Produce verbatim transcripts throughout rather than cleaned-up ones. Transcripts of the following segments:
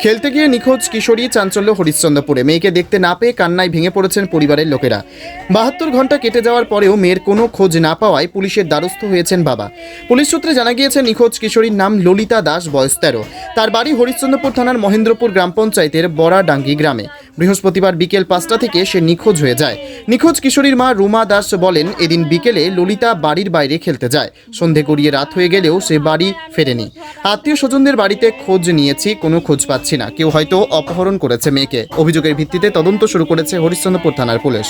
খেলতে গিয়ে নিখোঁজ কিশোরী, চাঞ্চল্য হরিশ্চন্দ্রপুরে। মেয়েকে দেখতে না পেয়ে কান্নায় ভেঙে পড়েছেন পরিবারের লোকেরা। বাহাত্তর ঘন্টা কেটে যাওয়ার পরেও মেয়ের কোনো খোঁজ না পাওয়ায় পুলিশের দ্বারস্থ হয়েছেন বাবা। পুলিশ সূত্রে জানা গিয়েছে, নিখোঁজ কিশোরীর নাম ললিতা দাস, বয়স তেরো। তার বাড়ি হরিশ্চন্দ্রপুর থানার মহেন্দ্রপুর গ্রাম পঞ্চায়েতের বড়াডাঙ্গি গ্রামে। বৃহস্পতিবার বিকেল পাঁচটা থেকে সে নিখোঁজ হয়ে যায়। নিখোঁজ কিশোরীর মা রুমা দাস বলেন, এদিন বিকেলে ললিতা বাড়ির বাইরে খেলতে যায়। সন্ধে গড়িয়ে রাত হয়ে গেলেও সে বাড়ি ফেরেনি। আত্মীয় স্বজনদের বাড়িতে খোঁজ নিয়েছি, কোনো খোঁজ পাচ্ছি না। কেউ হয়তো অপহরণ করেছে মেয়েকে। অভিযোগের ভিত্তিতে তদন্ত শুরু করেছে হরিশ্চন্দ্রপুর থানার পুলিশ।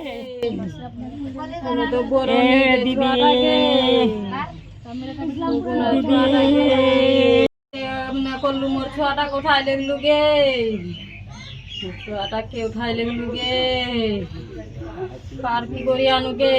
কে উঠাই লেগলু গে কার কি করি আনু গে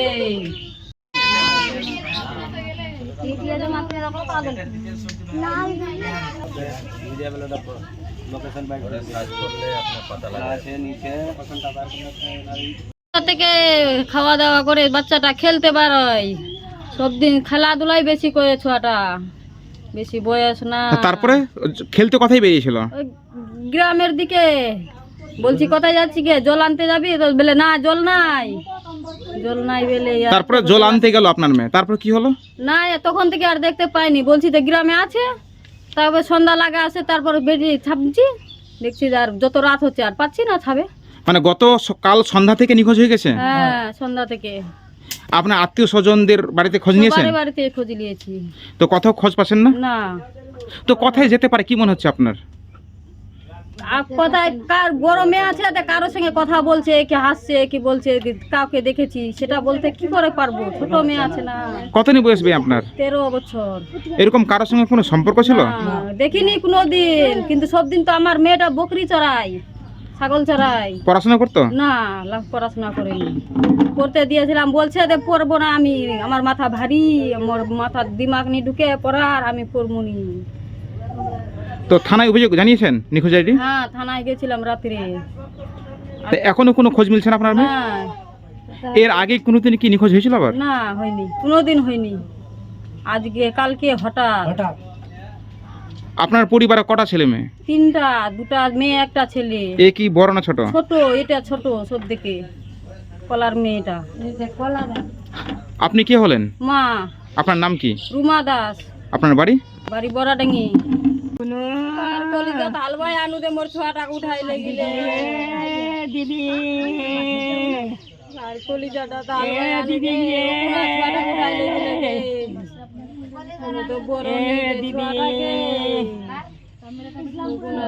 থেকে খাওয়া দাওয়া করে বাচ্চাটা খেলতে পারয়। সব দিন খেলাধুলাই বেশি করে, ছোয়াটা বেশি বয়স না। তারপরে খেলতে কোথায় বেরিয়েছিল? গ্রামের দিকে। বলছি কোথায় যাচ্ছি গে, জল আনতে যাবি? তো বলে না, জল নাই, জল নাই বলে। তারপরে জল আনতে গেল আপনার মেয়ে, তারপর কি হলো? না, তখন থেকে আর দেখতে পাইনি। বলছি তো গ্রামে আছে, তারপর সন্ধ্যা লাগা আছে, তারপর বেরিয়ে ছাপছি, দেখছি আর যত রাত হচ্ছে আর পাচ্ছি না ছাবে। মানে গত কাল সন্ধ্যা থেকে নিখোঁজ হয়ে গেছে? হ্যাঁ, সন্ধ্যা থেকে। আপনার আত্মীয় স্বজনদের বাড়িতে খোঁজ নিয়েছেন? বাড়ি বাড়িতে খোঁজ নিয়েছি, তো কোথাও খোঁজ পাচ্ছেন না? না। তো কোথায় যেতে পারে কি মনে হচ্ছে আপনার? আর কোথায় কার বড় মেয়ে আছে, কারোর সঙ্গে কথা বলছে, কি হাসছে, কি বলছে, কাউকে দেখেছি সেটা বলতে কি করে পারবো? ছোট মেয়ে আছে না। কতদিন বয়স হবে আপনার? তেরো বছর। এরকম কারোর সঙ্গে কোনো সম্পর্ক ছিল? দেখিনি কোনোদিন, কিন্তু সব দিন তো আমার মেয়েটা বকরি চড়াই, ছাগল চড়াই। পড়াশোনা করতো না, পড়াশোনা করেনি। পড়তে দিয়েছিলাম, বলছে যে পড়বো না আমি, আমার মাথা ভারী, আমার মাথার দিমাগ নি ঢুকে পড়ার, আমি পড়বো নি। তো থানায় অভিযোগ জানিয়েছেন নিখোঁজ আইডি? হ্যাঁ, থানায় গেছিলাম রাত্রে। এখনো কোনো খোঁজ মিলছে না আপনার মেয়ে? হ্যাঁ। এর আগে কোনোদিন কি নিখোঁজ হয়েছিল আবার? না, হয়নি, কোনোদিন হয়নি। আজকে কালকে হঠাৎ। আপনার পরিবারে কটা ছেলে মেয়ে? তিনটা, দুটা মেয়ে, একটা ছেলে। এ কি বড় না ছোট? ছোট, এটা ছোট সব থেকে, কলার মেয়েটা। আপনি কে হলেন? মা। আপনার নাম কি? রুমা দাস। আপনার বাড়ি? বাড়ি বড়াডাঙ্গি। হালবাই আনু দে মোর ছোয়াটা উঠাই লেগিলে দিদি, আর কলিজাটা হালবাই আনু দে ছোয়াটা উঠাই লেগিলে তো বড় দিদি।